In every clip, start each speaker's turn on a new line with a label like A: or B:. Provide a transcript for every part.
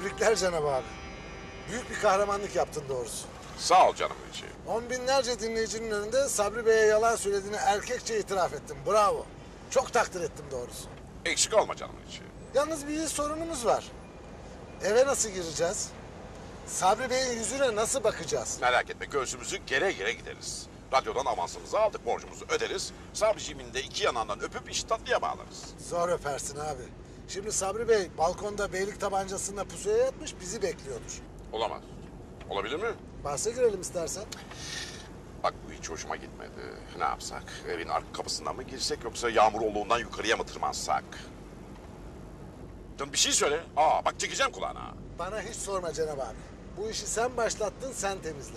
A: Tebrikler Cenab abi. Büyük bir kahramanlık yaptın doğrusu.
B: Sağ ol canım içi.
A: On binlerce dinleyicinin önünde Sabri Bey'e yalan söylediğini erkekçe itiraf ettin. Bravo. Çok takdir ettim doğrusu.
B: Eksik olma canım içi.
A: Yalnız bir sorunumuz var. Eve nasıl gireceğiz? Sabri Bey'in yüzüne nasıl bakacağız?
B: Merak etme, göğsümüzü gere gere gideriz. Radyodan avansımızı aldık, borcumuzu öderiz. Sabriciğimin de iki yanından öpüp işi tatlıya bağlarız.
A: Zor öpersin abi. Şimdi Sabri Bey balkonda beylik tabancasında pusuya yatmış bizi bekliyordur.
B: Olamaz. Olabilir mi?
A: Bahse girelim istersen.
B: Bak bu hiç hoşuma gitmedi. Ne yapsak? Evin arka kapısından mı girsek yoksa Yağmuroğlu'ndan yukarıya mı tırmansak? Canım bir şey söyle. Bak çekeceğim kulağına.
A: Bana hiç sorma Cenab abi. Bu işi sen başlattın, sen temizle.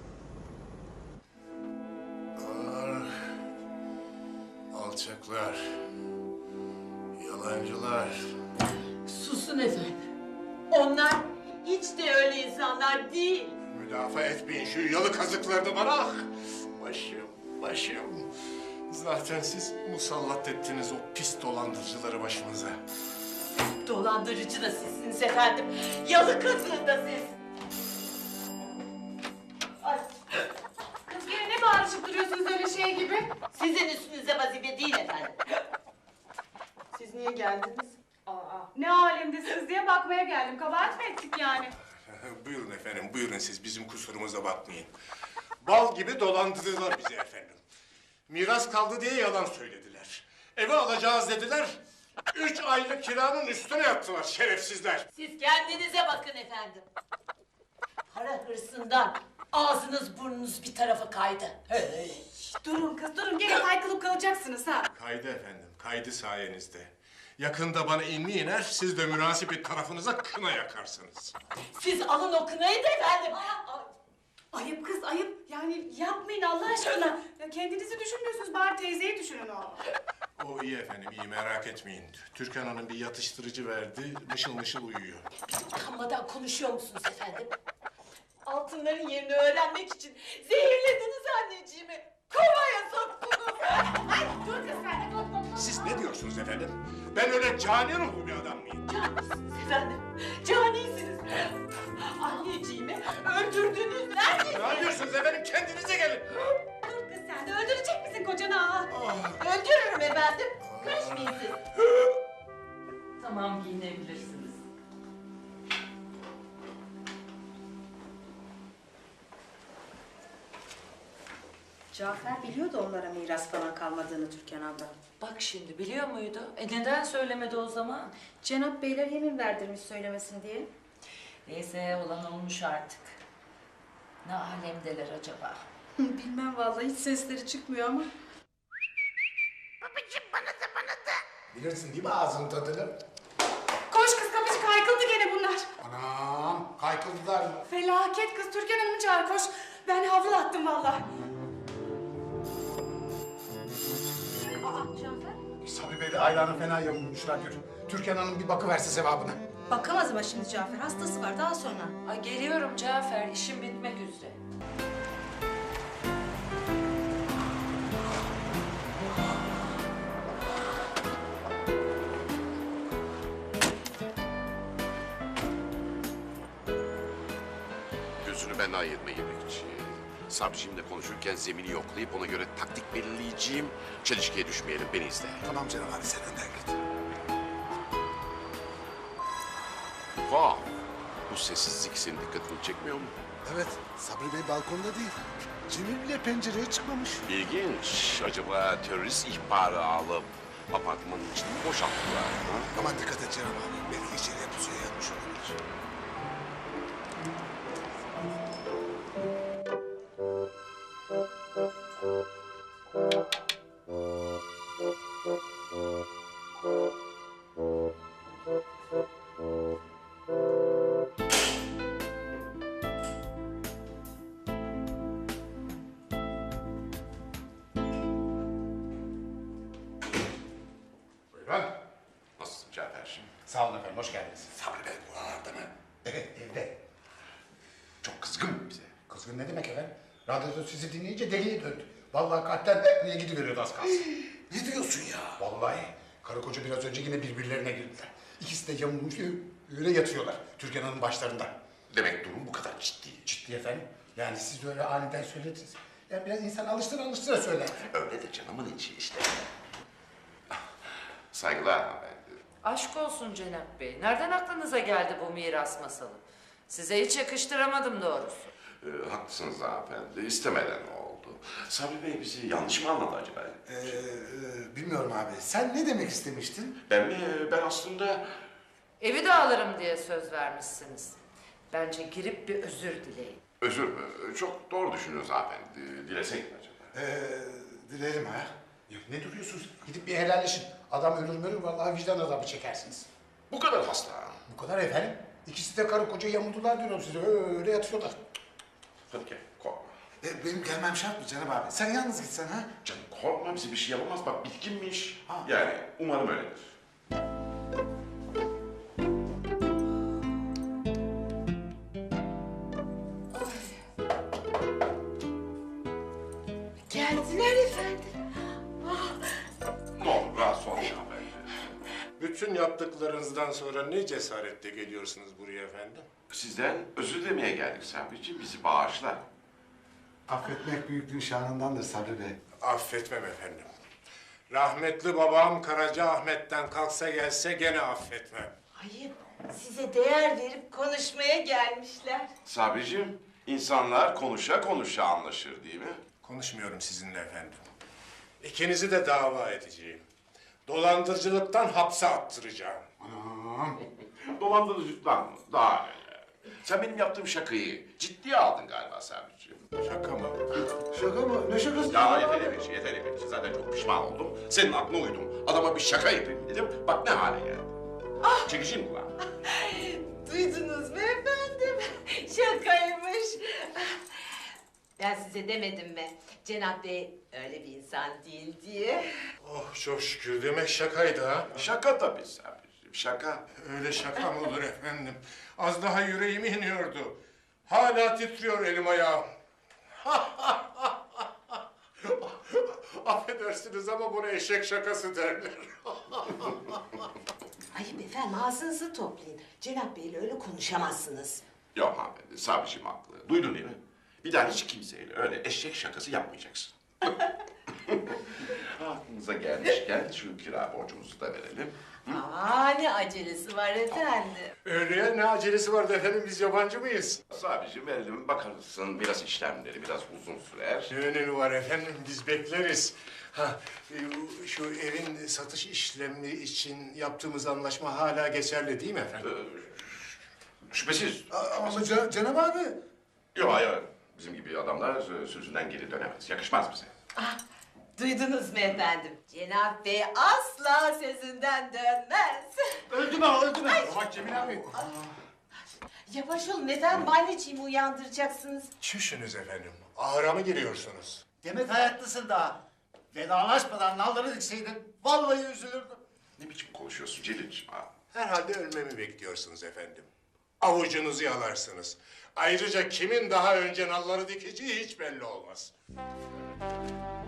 C: Alçaklar, yalancılar.
D: Susun efendim. Onlar hiç de öyle insanlar değil.
C: Müdafaa etmeyin şu yalı kazıklarını bana. Ah! Başım. Zaten siz musallat ettiniz o pis dolandırıcıları başımıza.
D: Dolandırıcı da sizsiniz efendim. Yalı kızı da siz. Ay,
E: Kız gene ne bağırışıp duruyorsunuz öyle şey gibi?
D: sizin üstünüze vazife değil efendim. Siz niye geldiniz?
E: Ne alemdesiniz diye bakmaya geldim. Kabahat mi ettik yani?
C: Buyurun efendim, buyurun siz bizim kusurumuza bakmayın. Bal gibi dolandırdılar bizi efendim. Miras kaldı diye yalan söylediler. Eve alacağız dediler. 3 aylık kiranın üstüne yattılar şerefsizler.
D: Siz kendinize bakın efendim. Para hırsından ağzınız burnunuz bir tarafa kaydı. Hey.
E: Durun kız durun gene kaykılıp kalacaksınız ha.
C: Kaydı efendim, kaydı sayenizde. Yakında bana inni iner, siz de münasip tarafınıza kına yakarsınız.
D: Siz alın o kınayı da efendim.
E: Ayıp kız ayıp. Yani yapmayın Allah aşkına. Ya kendinizi düşünmüyorsunuz bari teyzeyi düşünün o.
C: O iyi efendim, iyi merak etmeyin. Türkan Hanım bir yatıştırıcı verdi, mışıl mışıl uyuyor.
D: Utanmadan konuşuyor musunuz efendim? Altınların yerini öğrenmek için zehirlediniz anneciğimi. Kovaya soktunuz.
E: Ay dur kız sen de dur.
C: Siz ne diyorsunuz efendim? Ben öyle cani ruhlu bir adam mıyım?
D: Canisiniz efendim. Canisiniz. Anneciğimi öldürdünüz. Neredesiniz?
C: Ne yapıyorsunuz efendim? Kendinize gelin.
E: Dur kız sen de öldürecek misin kocanı ha?
D: Öldürürüm efendim. Karışmayın siz. Tamam giyinebilirsiniz.
F: Cafer biliyordu onlara miras falan kalmadığını Türkan abla.
G: Bak şimdi biliyor muydu? Neden söylemedi o zaman?
F: Cenap beyler yemin verdirmiş söylemesin diye.
G: Neyse olan olmuş artık. Ne alemdeler acaba?
F: Bilmem vallahi hiç sesleri çıkmıyor ama.
H: Bilirsin değil mi ağzının tadını?
E: Koş kız kapıcı kaykıldı gene bunlar.
H: Anam kaykıldılar mı?
E: Felaket kız Türkan Hanım'ı çağır koş. Ben havlu attım vallahi.
H: Sabri Bey'le Ayla'nın fena yamulmuşlar gör. Türkan Hanım bir bakıverse sevabına.
F: Bakamaz ama şimdi Cafer hastası var daha sonra.
G: Ay geliyorum Cafer, işim bitmek üzere.
B: Gözünü benden ayırma yemekçi. Sabriciğimle konuşurken zemini yoklayıp ona göre taktik belirleyeceğim. Çelişkiye düşmeyelim, beni izle.
H: Tamam canım abi sen önden git.
B: Vah! Bu sessizlik senin dikkatini çekmiyor mu?
A: Evet, Sabri Bey balkonda değil. Cemil bile pencereye çıkmamış.
B: İlginç. Acaba terörist ihbarı alıp apartmanın içini boşalttılar mı?
A: Aman dikkat et Cenab abi. Belki içeriye pusuya yatmış olabilir.
C: Buyurun.
B: Nasılsın Cafer?
H: Sağ olun efendim hoş geldiniz.
C: Sabri Bey buralarda mı?
H: Evet evde. Çok kızgın bize. Kızgın ne demek efendim? Radyoda sizi dinleyince deliye döndü. Vallahi kalpten nereye gidiveriyordu az kalsın.
C: Ne diyorsun ya?
H: Vallahi karı koca biraz önce yine birbirlerine girdiler. İkisi de yamulmuş Öyle yatıyorlar Türkan Hanım başlarında.
B: Demek durum bu kadar ciddi.
H: Ciddi efendim. Yani siz de öyle aniden söylediniz. Yani biraz insan alıştıra söyler.
B: Öyle de canımın içi işte. Saygılar hanımefendi.
G: Aşk olsun Cenap Bey. Nereden aklınıza geldi bu miras masalı? Size hiç yakıştıramadım doğrusu.
B: Haklısınız hanımefendi. İstemeden oldu. Sabri Bey bizi yanlış mı anladı acaba?
A: Bilmiyorum abi. Sen ne demek istemiştin?
B: Ben mi? Ben aslında...
G: Evi de alırım diye söz vermişsiniz. Bence girip bir özür dileyin.
B: Özür mü? Çok doğru düşünüyorsunuz hanımefendi. Dilesek mi acaba?
A: Dilerim ha.
H: Ya ne duruyorsunuz? Gidip bir helalleşin. Adam ölür vallahi vicdan azabı çekersiniz.
B: Bu kadar hasta.
H: Bu kadar efendim. İkisi de karı koca yamuldular diyorum size. Öyle yatıyorlar.
B: Hadi gel, korkma.
A: Benim gelmem şart mı Cenab abi? Sen yalnız gitsen ha?
B: Canım korkma, bize bir şey yapamaz. Bak bitkinmiş. Yani umarım öyledir.
D: Geldiler efendim.
B: Ne olur rahatsız olmayın hanımefendi.
C: Bütün yaptıklarınızdan sonra ne cesaretle geliyorsunuz buraya efendim?
B: Sizden özür dilemeye geldik Sabri'ciğim. Bizi bağışla.
A: Affetmek büyüklüğün şanındandır Sabri Bey.
C: Affetmem efendim. Rahmetli babam Karaca Ahmet'ten kalksa gelse gene affetmem.
D: Ayıp. Size değer verip konuşmaya gelmişler.
B: Sabri'ciğim, insanlar konuşa konuşa anlaşır değil mi?
C: Konuşmuyorum sizinle efendim. İkinizi de dava edeceğim. Dolandırıcılıktan hapse attıracağım.
B: Dolandırıcılıktan mı? Daha neler. Sen benim yaptığım şakayı ciddiye aldın galiba Sabri'ciğim.
C: Şaka mı?
A: Şaka mı? Ne şakası?
B: Ya yeter bir şey. Zaten çok pişman oldum. Senin aklına uydum. Adama bir şaka yapayım dedim. Bak ne hale geldi. Çekeceğim kulağını.
D: Duydunuz mu efendim? Şakaymış. Ben size demedim mi? Cenap Bey öyle bir insan değil diye.
C: Oh çok şükür demek şakaydı ha.
B: Şaka tabii Sabri'ciğim, şaka.
C: Öyle şaka mı olur efendim? Az daha yüreğime iniyordu. Hala titriyor elim ayağım. Affedersiniz ama buna eşek şakası derler.
D: Ayıp efendim ağzınızı toplayın. Cenap Bey'le öyle konuşamazsınız.
B: Yok hanımefendi, Sabri'ciğim haklı. Duydun değil mi? Bir daha hiç kimseyle öyle eşek şakası yapmayacaksın. Aklınıza gelmişken şu kira borcumuzu da verelim.
D: Aa ne acelesi var efendim.
C: Öyle ne acelesi vardı efendim biz yabancı mıyız?
B: Sabri'ciğim verelim, bakarsın biraz işlemleri biraz uzun sürer.
C: Ne önemi var efendim biz bekleriz. Ha, şu evin satış işlemi için yaptığımız anlaşma hala geçerli değil mi efendim?
B: Şüphesiz.
A: Ama Cenab abi.
B: Yok hayır. Bizim gibi adamlar sözünden geri dönemez. Yakışmaz bize.
D: Duydunuz mu efendim? Cenap Bey asla sözünden dönmez.
H: Öldü mü? Bak Cemil abi.
D: Yavaş olun efendim anneciğimi uyandıracaksınız.
C: Çüşünüz efendim. Ahıra mı giriyorsunuz?
I: Demek hayatlısın daha. Vedalaşmadan nalları dikseydin vallahi üzülürdüm.
B: Ne biçim konuşuyorsun Celil'ciğim ha?
C: Herhalde ölmemi bekliyorsunuz efendim. Avucunuzu yalarsınız. Ayrıca kimin daha önce nalları dikeceği hiç belli olmaz.